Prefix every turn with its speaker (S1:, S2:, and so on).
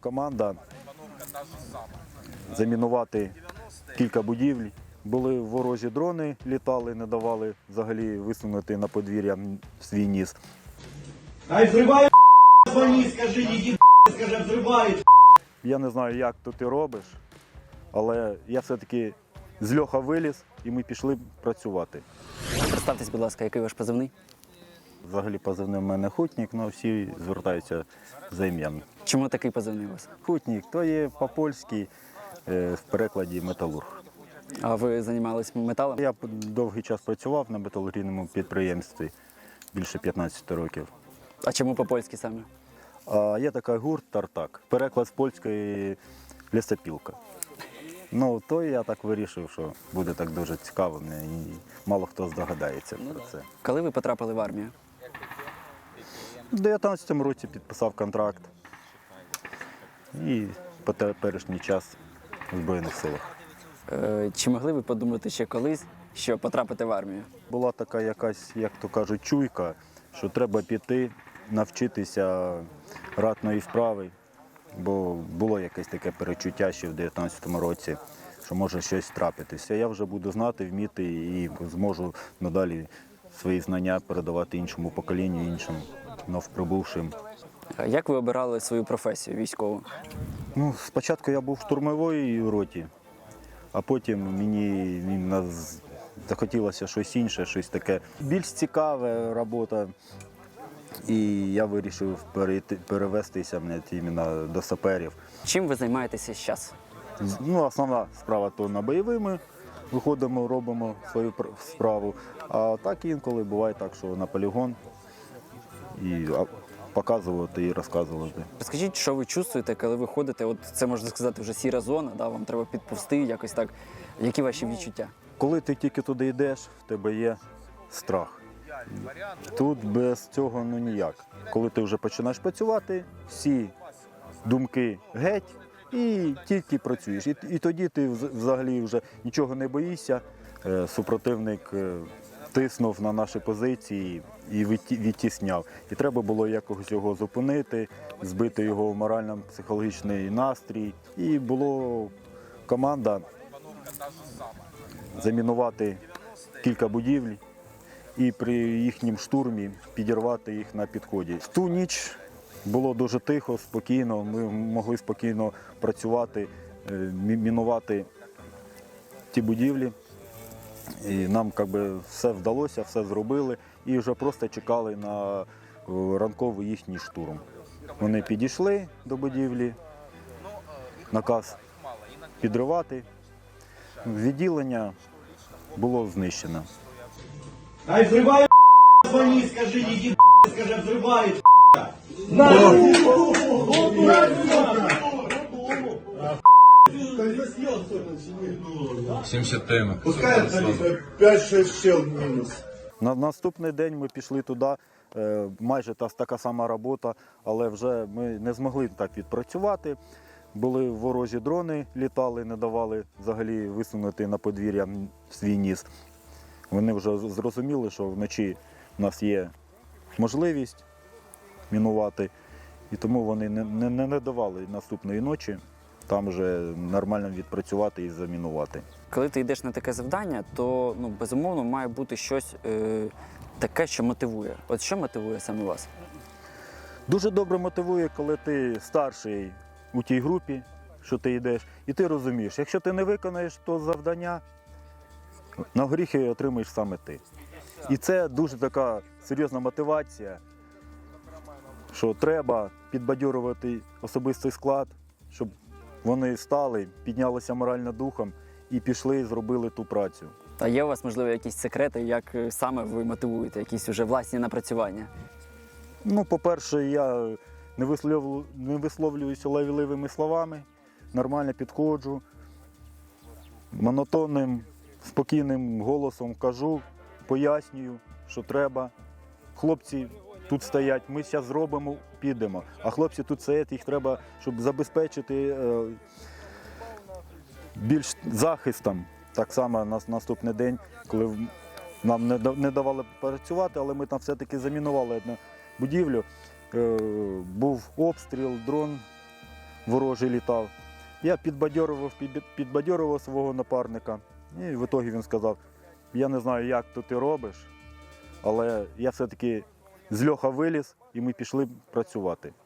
S1: команда замінувати кілька будівель. Були ворожі дрони, літали, не давали взагалі висунути на подвір'я свій ніс.
S2: Ай, взривають, звони, скажи, іди, скажи, взривають.
S1: Я не знаю, як то ти робиш, але я все-таки з льоха виліз і ми пішли працювати.
S3: Представтесь, будь ласка, який ваш позивний?
S1: Взагалі позивний в мене Хутнік, але всі звертаються за ім'ям.
S3: Чому такий позивний у вас?
S1: Хутнік, то є по-польськи, в перекладі металург.
S3: А ви займалися металом?
S1: Я довгий час працював на металургійному підприємстві, більше 15 років.
S3: А чому по-польськи саме?
S1: А є такий гурт «Тартак», переклад з польської «Лісопілка». Ну, то я так вирішив, що буде так дуже цікаво, і мало хто здогадається про це.
S3: Коли ви потрапили в армію?
S1: У 19-му році підписав контракт і по теперішній час у Збройних силах.
S3: Чи могли ви подумати ще колись, що потрапити в армію?
S1: Була така якась, як то кажуть, чуйка, що треба піти, навчитися ратної справи, бо було якесь таке перечуття ще в 19-му році, що може щось трапитися. Я вже буду знати, вміти і зможу надалі свої знання передавати іншому поколінню, іншим новоприбувшим.
S3: Як ви обирали свою професію військову?
S1: Ну, спочатку я був в штурмовій роті, а потім мені захотілося щось інше, щось таке більш цікаве робота. І я вирішив перевестися іменно до саперів.
S3: Чим ви займаєтеся зараз?
S1: Ну, основна справа то на бойовими виходимо, робимо свою справу. А так інколи буває так, що на полігон і показувати і розказувати.
S3: Розкажіть, що ви чувствуєте, коли ви ходите? От це можна сказати вже сіра зона, да? Вам треба підповзти, якось так. Які ваші відчуття?
S1: Коли ти тільки туди йдеш, в тебе є страх. Тут без цього ніяк. Коли ти вже починаєш працювати, всі думки геть і тільки працюєш. І тоді ти взагалі вже нічого не боїшся. Супротивник тиснув на наші позиції і відтісняв. І треба було якось його зупинити, збити його в морально-психологічний настрій. І була команда замінувати кілька будівель і при їхньому штурмі підірвати їх на підході. В ту ніч було дуже тихо, спокійно, ми могли спокійно працювати, мінувати ті будівлі. І нам все вдалося, все зробили і вже просто чекали на ранковий їхній штурм. Вони підійшли до будівлі, наказ підривати. Відділення було знищено.
S2: Ай, взривають, звони, скажи, іди, скажи, взривають.
S4: 70 темок.
S5: Пускай 5-6 щел мінус.
S1: На наступний день ми пішли туди, майже така сама робота, але вже ми не змогли так відпрацювати. Були ворожі дрони, літали, не давали взагалі висунути на подвір'я свій ніс. Вони вже зрозуміли, що вночі в нас є можливість мінувати, і тому вони не давали наступної ночі там вже нормально відпрацювати і замінувати.
S3: Коли ти йдеш на таке завдання, то безумовно має бути щось таке, що мотивує. От що мотивує саме вас?
S1: Дуже добре мотивує, коли ти старший у тій групі, що ти йдеш, і ти розумієш, якщо ти не виконаєш то завдання, на горіхи отримаєш саме ти. І це дуже така серйозна мотивація, що треба підбадьорувати особистий склад, щоб вони стали, піднялися морально духом і пішли, зробили ту працю.
S3: А є у вас, можливо, якісь секрети, як саме ви мотивуєте, якісь вже власні напрацювання?
S1: Ну, по-перше, я не висловлююся лайвливими словами, нормально підходжу, монотонним, спокійним голосом кажу, пояснюю, що треба. Хлопці тут стоять, ми зараз зробимо, підемо. А хлопці тут стоять, їх треба, щоб забезпечити більш захистом. Так само на наступний день, коли нам не давали працювати, але ми там все-таки замінували одну будівлю. Був обстріл, дрон ворожий літав. Я підбадьорював свого напарника. І в ітогі він сказав, я не знаю, як то ти робиш, але я все-таки з льоха виліз і ми пішли працювати.